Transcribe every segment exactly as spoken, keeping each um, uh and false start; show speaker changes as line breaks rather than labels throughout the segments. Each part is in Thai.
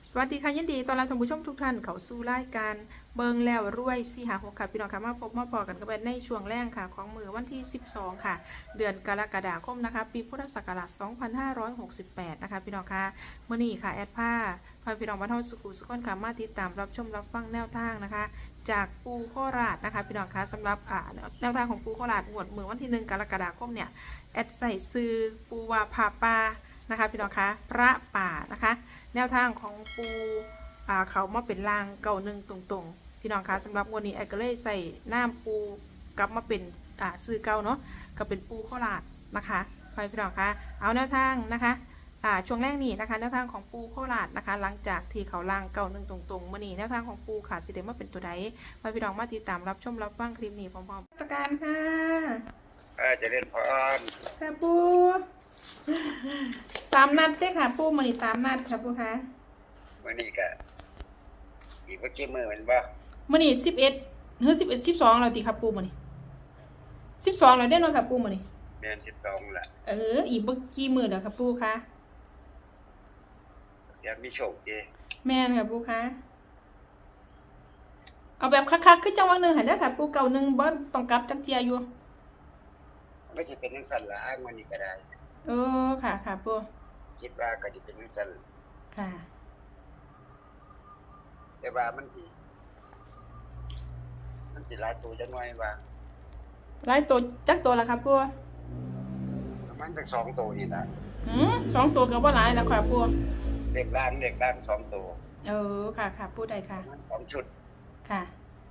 สวัสดีค่ะยินดีต้อนรับท่านผู้ชมทุกท่านเข้าสู่รายการเบิงแล้วรวยสี่หาหกค่ะพี่น้องค่ะมาพบมาพอกันกันในช่วงแรกค่ะของมือวันที่สิบสองค่ะเดือนกรกฎาคมนะคะปีพุทธศักราชสองพันห้าร้อยหกสิบแปดนะคะพี่น้องค่ะเมื่อนี้ค่ะแอดผ้าพาพี่น้องมาท่องสุขุสุขนค่ะมาติดตามรับชมรับฟังแนวทางนะคะจากปูโคราชนะคะพี่น้องคะสำหรับอ่าแนวทางของปูโคราชงวดมือวันที่หนึ่งกรกฎาคมเนี่ยแอดใส่ซื้อปูวาพาปานะคะพี่น้องคะพระป่านะคะแนวทางของปูเขามาเป็นรางเก่าหนึ่งตรงๆพี่น้องคะสำหรับวันนี้ไอ้ก็เลยใส่น้ำปูกลับมาเป็นซื้อเก่าเนาะก็เป็นปูโคราชนะคะพี่น้องคะเอาแนวทางนะคะช่วงแรกนี้นะคะแนวทางของปูโคราชนะคะหลังจากที่เขาล่างเก่าหนึ่งตรงๆมื่อนี้แนวทางของปูค่ะสิเดมาเป็นตัวใดพี่น้องมาติดตามรับชมรับฟังคลิปนี้พร้อมๆสการค่ะ
จะเล่นพร
ค่ะปูตามนัดได้ค่ะปูมื่อนี้ตามนัดค่ะปูคะ
มื่อนี้ก็อีกเมื่อกี้มือมันบ่
มื่อนี้สิบเอ็ดเฮ้ยสิบเอ็ดสิบสองเราตีครับปูมื่อนี้สิบสองเราได้นอนค่ะปูมื่อนี้
เดือนสิบสองละ
เอออีกเมื่อกี้มือเดี๋ยวค่ะปูคะ
เดี๋ยวมีโชคดี
แม่ค่ะปูคะเอาแบบคักๆขึ้นจังหวะหนึ่งหันได้ค่ะปูเก่าหนึ่งบ่ต้องกลับจักเทียอยู่
ไม่ใช่เป็นนักสั่นละอ้างมันนี่ก็ได้
เออค่ะค่ะปู
คิดว่าก็จะเป็นนักสั่น
ค่ะ
แต่ว่ามันสิมันสิหลายตัวจังหน่อยว่า
หลายตัวจักตัวละครับปู
ประมาณสักสองตัวนี่ล่ะ
หืมสองตัวก็บ่หลายแล้วค่ะปู
เด็กล้านเด็กล้านสองตัว
เออค่ะค่ะปูได้ค่ะ
สองชุด
ค่ะ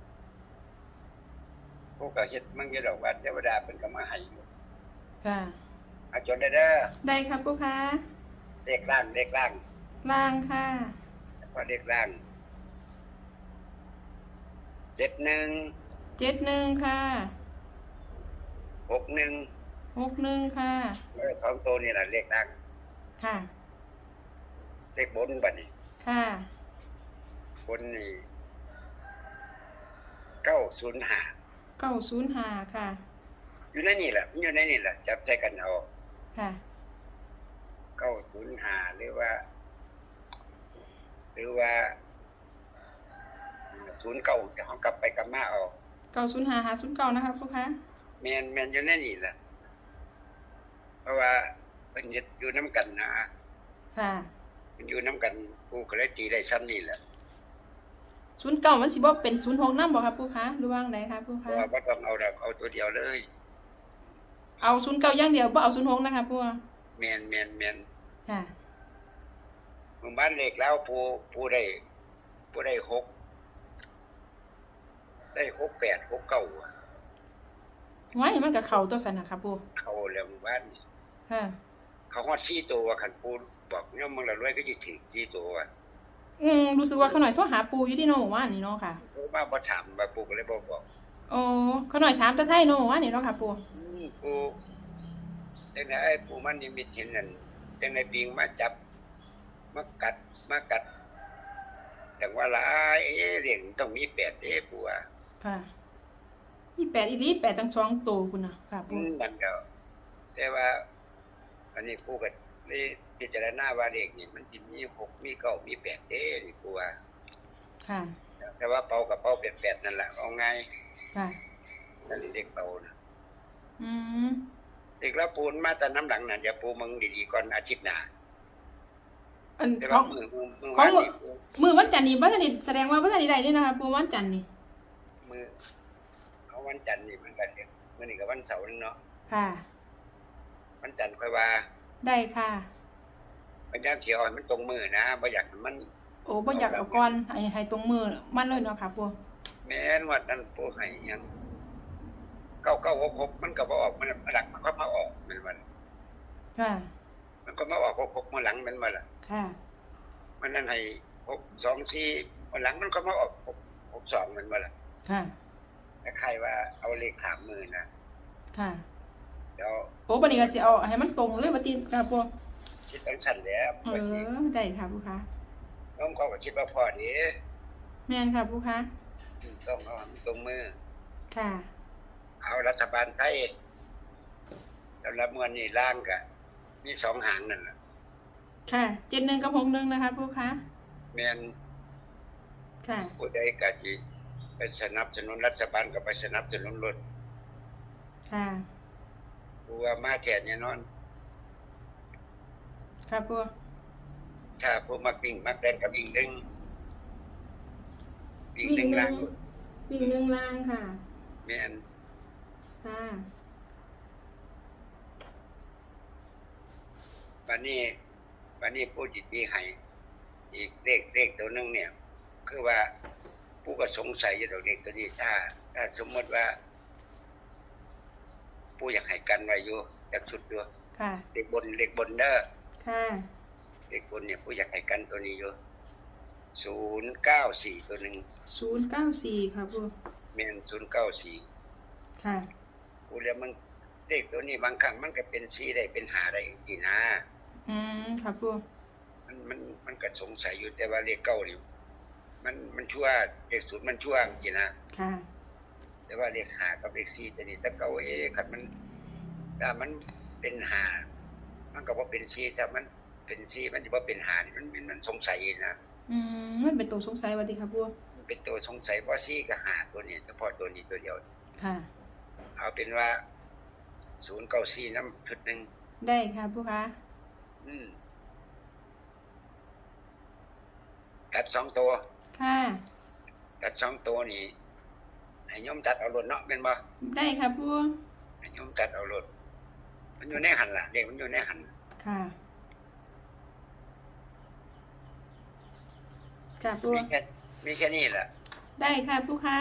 พวกก็เฮ็ดมันก็ดอกว่าเทวดาเพิ่นก็มาให้อยู่
ค่ะ
อาจนได้เด้อ
ได้ครับปูค่ะ
เด็กล้านเด็กล้าน
ล่างค่ะ
พอเด็กล้านเจ็ดหนึ่ง
เจ็ดหนึ่งค่ะ
หกหนึ่ง
หกหนึ่งค่ะ
สองตัวนี่แหละเลขดัง
ค่ะ
เลขบนบัดนี้
ค่ะ
บนนี่เก้าศูนย์ห้า
เก้าศูนย์ห้าค่ะ
อยู่ในนี่แหละอยู่ในนี่แหละจับใจกันเอา
ค่ะ
เก้าศูนย์ห้าหรือว่าหรือว่าศูนย์เก้าจะเขากลับไปกลับมาเอา
เก้าศูนย์ห้าหาศูนย์เก้านะคะฟุกคะ
แมนแมนอยู่ในนี่แหละเพราะว่าเป็นอยู่น้ำกันนะ
ค่ะ
มันอยู่น้ำกันกูก็เลยตีได้ซ้ำนี่แหละ
ศูนย์เก้ามันสิบ่เป็นศูนย์หกน้ำบ่ครับฟุกคะหรือว่าไงครับฟุกคะ
ว่าบ่ต้องเอาดอกเอาตัวเดียวเลย
เอาศูนย์เก้าอย่างเดียวบ่เอาศูนย์หกนะคะฟุก
แมนแมนแมน
ค่ะ
หมู่บ้านเล็กแล้วผู้ผู้ได้ผู้ได้หกได้หกแปดหกเก้า
ไว้มันกับเขาตัวสันนะครับปู
เขาแล้วหมู่บ้านนี่
ค่ะ
เขาฮอดซี่ตัวขันปูบอกเนี่ยมึงละรวยก็จะถึงซี่ตัว
อืมรู้สึกว่าเขาหน่อยโทรหาปูอยู่ที่โน่ว่านี่เนาะค่ะ
มาบ่ถามมาปูก็เลยบ่บอก
โอ้เขาหน่อยถามตะไทโน่ว่านี่เนาะค่ะปู
ปูจังได๋ไอ้ปูมันนิมิตเห็นนั่นจังได๋ปิงมาจับมากัดมากัดแต่ว่าหลายเอ๊ะเรื่องต้องมีแปดเด้ปูอ่ะ
ค่ะมีแปดอีหลีแปดทั้งสองตัวคุณน่ะค่ะปู
นั่นก็แต่ว่าอันนี้ปูก็ได้พิจารณาว่าเลขนี่มันสิมีหกมีเก้ามีแปดเด้นี่ปูว่า
ค่ะ
แต่ว่าเป่ากับเป่าแปดๆนั่นแหละเอาไง
ค่ะ
นั่นเด็กเป่านะ
อืม
เด็กแล้วปูนมาจากน้ำหลังน่ะเดี๋ยวปูมึงดีๆก่อนอาทิตย์หน้า
อันของของมือวันจันทร์นี่บ่ทันได้แสดงว่าบ่ทันได้ได้นี่นะคะปูวันจันทร์นี่
มือเอาวันจันทร์นี่มันก็เดี๋ยวมื้อนี้ก็วันเสาร์นึงเนาะ
ค่ะ
วันจันทร์ค่อยว่า
ได้ค่ะ
พยายามสิเอาให้มันตรงมือนะบ่อยากมัน
โอ้บ่อยากเอาก่อนให้ให้ตรงมือมันเลยเนาะค่ะปู
แม่นว่านั้นปูให้หยังเก้าเก้าหกหกมันก็บ่ออกมันหลังมันก็มาออกแม่นบ่
ค่ะ
มันก็มาออกหกหกมื้อหลังแม่นบ่ล่ะ
ค่ะ
มันนั่นให้หก สอง สี่มื้อหลังมันก็มาออกหก หก สองแม่นบ่ล่ะ
ค่ะ
คล้ายๆว่าเอาเลขถามมือนะ
ค่ะ
เดี๋ยว
โอ้บัดนี้ก็สิเอาให้มันตรงเลยบ่ติค่ะปู
คิดจังซั่นแหละ
เออได้ค่ะปูคะ
น้องก็คิดว่าพอดี
แม่นค่ะปูคะ
ต้องเอาให้ตรงมือ
ค่ะ
เอารัฐบาลไทยแล้วละมื้อนี้ล่างก็มีสองหางนั่นน่ะ
ค่ะเจ็ดหนึ่งกับหกหนึ่งนะคะปูคะ
แแม่น
ค่ะ
ผู้ใดก็สิไปสนับสนุนรัฐบาลก็ไปสนับสนุนรถ
ค่ะ
ผู้ว่ามาแท้แน่นอน
ค่ะปู
ถ้าผู้มักวิ่งมักเล่นก็วิ่งหนึ่งวิ่ง
วิ่ง
หนึ่ง
ห
ล่า
นึ่
ง
งวิ่งหนึ่งล่างค่ะ
แม่น
ค่ะ
วันนี้วันนี้ผู้จิตมีให้อีกเลขเลขตัวหนึงเนี่ย คือว่าผู้ก็สงสัยอยู่ดอกเลขตัวนี้ ถ้า ถ้าสมมติว่า ผู้อยากให้กันไว้อยู่จากชุดอยู่
ค่ะ
เลขบนเลขบนเด้อ
ค่ะ
เลขบนเนี่ยผู้อยากให้กันตัวนี้อยู่ศูนย์เก้าสี่ตัวหนึ่ง
ศูนย์เก้าสี่ค่ะปู
แม่นศูนย์เก้าสี่
ค่ะ
ผู้แล้วมันเลขตัวนี้บางครั้งมันก็เป็นสี่ได้เป็นหาได้จริงๆนะ
อืมค่ะปู
มันมันมันก็สงสัยอยู่แต่ว่าเลขเก้านี่มันมันชั่วเลขศูนย์มันชั่วจริงๆนะ
ค่ะ
แต่ว่าเลขหากับเลขสี่ตัวนี้ถ้าเก้าเอคันมันถ้ามันเป็นหามันก็บ่เป็นสี่ถ้ามันเป็นสี่มันสิบ่เป็นหานี่มันมันมันสงสัยนะ
อืมมันเป็นตัวสงสัยว่าติค่ะปู
มันเป็นตัวสงสัยว่าสี่กับหาตัวนี้เฉพาะตัวนี้ตัวเดียว
ค่ะ
เอาเป็นว่าศูนย์เก้าสี่น้ำชุดหนึ่ง
ได้ค่ะปูคะ
อืมตัดสองตัว
ค่ะ
ตัดสองตัวนี่ให้โยมตัดเอารถเนาะเป็นบ่
ได้ค่ะปู
ให้โยมตัดเอารถมันอยู่ในหันล่ะเด็กมันอยู่ในหัน
ค่ะค่ะปู
มีแค่มีแค่นี้แหละ
ได้ค่ะปูคะ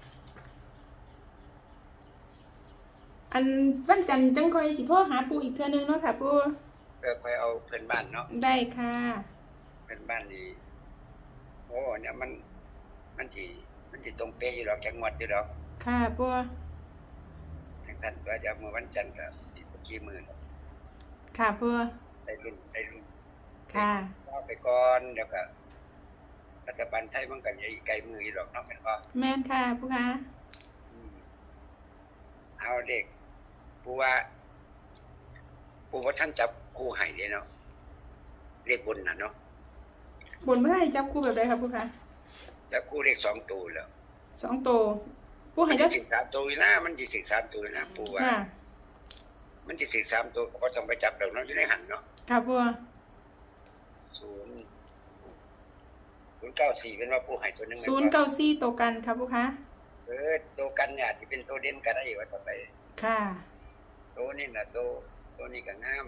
อันวันจันทร์จังคอยสิโทรหาปูอีกเทื่อนึงเนาะค่ะปู
เพื่อไปเอาเพื่อนบ้านเนาะ
ได้ค่ะ
เพื่อนบ้านนี่โอ้เนี่ยมัน มันสิมันสิตรงเป๊ะอยู่ดอกจังหวัดอยู่ดอก
ค่ะปู
จังซั่นว่าเดี๋ยวมื้อวันจันทร์ก็อีกบ่กี่มื้อแล้ว
ค่ะปู
ได้รุ่นได้รุ่น
ค่ะ
เอาไปก่อนเดี๋ยวก็รัฐบาลไทยมันก็อย่าอีกไกลมืออยู่ดอกเนาะแม่นบ่
แม่นค่ะปูคะ
อืมเอาเด็กปูว่าปูว่าท่านจับคู่ให้เด้เนาะเลขบนน่ะเนาะ
บนเมื่อไหร่จับคู่แบบไรครับปูคะ
จับคู่เลขสองตัวแล้ว
สองตัวปู
มั
ให้
น
ได้
สิสิบสามตัวอยู่นะมันสิสิบสามตัวอยู่นะปูว่า
ค่ะ
มันสิสิบสามตัวก็ต้องไปจับดอกเนาะอยู่ในหันเนาะ
ค่ะปู
ศูนย์ศูนย์เก้าสี่เป็นว่าปูให้ตัวหนึง
ศูนย์เก้าสี่ตัวกันครับปูคะ
เออตัวกันเนี่ยอาจจะเป็นตัวเด่นก็ได้ว่าต่อไป
ค่ะ
ตัวนี้น่ะตัวตัวนี้ก็งาม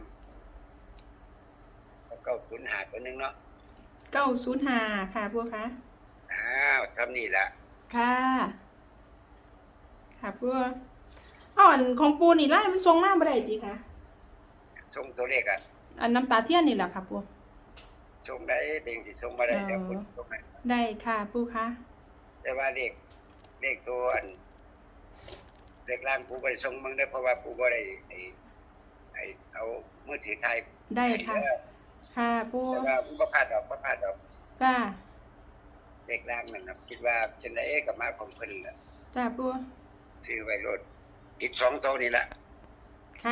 แล้วก็ศูนย์หาตัวหนึงเนาะ
เก้าศูนย์ห้าค่ะปูคะ
อ้าวทำนี่ล่ะ
ค่ะ ค่ะปูเอาอันของปูนี่ไล่มันทรงมากบ่ได้จีค่ะ
ส่งตัวเลขอ่ะ
อันน้ำตาเทียนนี่แหละค่ะปู
ส่งได้เพียงสิส่งมาได้เดี๋ยวคุณส่งให้
ได้ค่ะปูคะ
แต่ว่าเลขเลขตัวอันเลขล่างปูบ่ได้ส่งมึงได้อเพราะว่าปูบ่ได้ไอ้ไอ้เอามือถือถ่าย
ได้ค่ะ ค่ะปู
แต่ว่าบ่พลาดดอกบ่พลาดดอก
จ้า
เลขล่างนั่นน่ะคิดว่าจังได๋ก็มาของเพิ่นล่ะ
จ้าปู
ซื้อไว้รถติดสองตัวนี่ล่ะ
ค่ะ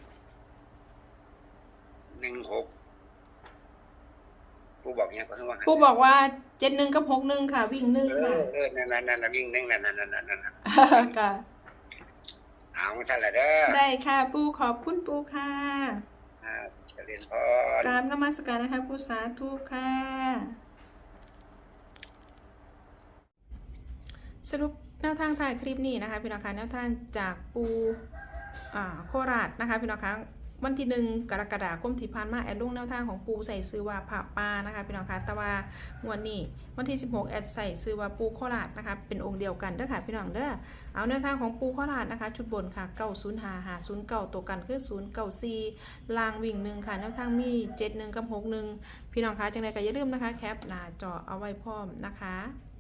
หนึ่งหกปูบอกหยังก็คือว่า
ปูบอกว่าเจ็ดหนึ่งกับหกหนึ่งค่ะ วิ่งหนึ่ง
เอ
ค่ะ
อเออนั่นๆๆๆวิ่งหนึงนั่นๆๆๆ
ค่ะ
ๆเอาซั่นล่ะเด้อ
ได้ค่ะปูขอบคุณปูค่ะ
อ่าเจริญพร
กราบนมัสการนะคะปูสาธุค่ะ สรุปแนวทางถ่ายคลิปนี้นะคะพี่น้องคะแนวทางจากปูอ่าโคราชนะคะพี่น้องคะวันที่หนึ่งกรกฎาคมที่ผ่านมาแอดลงแนวทางของปูใส่ซื้อว่าผ่าปานะคะพี่น้องคะแต่ว่างวดนี้วันที่สิบหกแอดใส่ซื้อว่าปูโคราชนะคะเป็นองค์เดียวกันเด้อค่ะพี่น้องเด้อเอาแนวทางของปูโคราชนะคะชุดบนค่ะเก้าศูนย์ห้าห้าศูนย์เก้าตัวกันคือศูนย์เก้าสี่ลางวิ่งหนึ่งค่ะแนวทางมีเจ็ดหนึ่งกับหกหนึ่งพี่น้องคะจังใดก็อย่าลืมนะคะแคปหน้าจอเอาไว้พร้อมนะคะ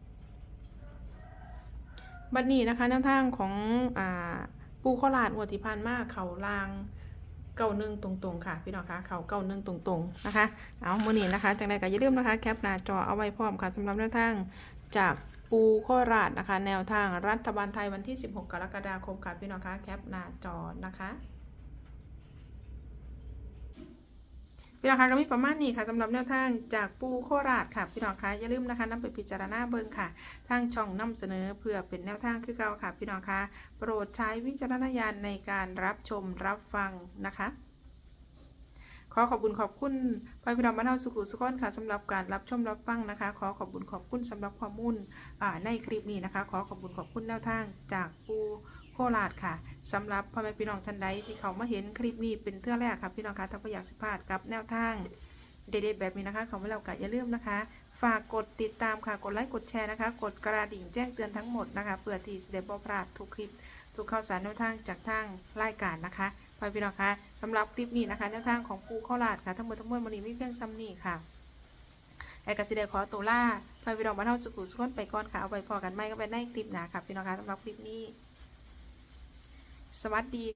บัดนี้นะคะแนวทางของอ่าปูโคราชงวดที่ผ่านมาเขาลางเก้าหนึ่งตรงๆค่ะพี่น้องคะเขาเก้าหนึ่งตรงๆนะคะเอาเมื่อนี้นะคะจังใดก็อย่าลืมนะคะแคปหน้าจอเอาไว้พร้อมค่ะสำหรับแนวทางจากปูโคราชนะคะแนวทางรัฐบาลไทยวันที่สิบหกกรกฎาคมค่ะพี่น้องคะแคปหน้าจอนะคะพี่น้องคะก็มีประมาณนี้ค่ะสำหรับแนวทางจากปูโคราชค่ะพี่น้องคะอย่าลืมนะคะนำไปพิจารณาเบิ่งค่ะทางช่องนำเสนอเพื่อเป็นแนวทางคือเก่าค่ะพี่น้องคะโปรดใช้วิจารณญาณในการรับชมรับฟังนะคะขอขอบคุณขอบคุณพ่อพี่น้องบ้านเฮาสุขุสุขนค่ะสำหรับการรับชมรับฟังนะคะขอขอบคุณขอบคุณสำหรับข้อมูลในคลิปนี้นะคะขอขอบคุณขอบคุณแนวทางจากปูโคราชค่ะสำหรับพ่อแม่พี่น้องท่านใดที่เขามาเห็นคลิปนี้เป็นเทื่อแรกค่ะพี่น้องคะถ้าไม่อยากสิพลาดกับแนวทางเด็ดๆแบบนี้นะคะเขาไม่เล่ากะอย่าลืมนะคะฝากกดติดตามค่ะกดไลค์กดแชร์นะคะกดกระดิ่งแจ้งเตือนทั้งหมดนะคะเพื่อที่จะได้บ่พลาดทุกคลิปทุกข่าวสารแนวทางจากทางรายการนะคะพ่อพี่น้องคะสำหรับคลิปนี้นะคะแนวทางของปูโคราชค่ะทั้งหมดทั้งมวลวันนี้มีเพียงซ้ำนี้ค่ะไอ้กสิเดขอตัวล่าพ่อพี่น้องบ้านเฮาสุขุสุขนไปก่อนค่ะเอาไปพอกันไม่ก็ไปในคลิปหน้าค่ะพี่น้องคะสำหรับคลิปนี้สวัสดี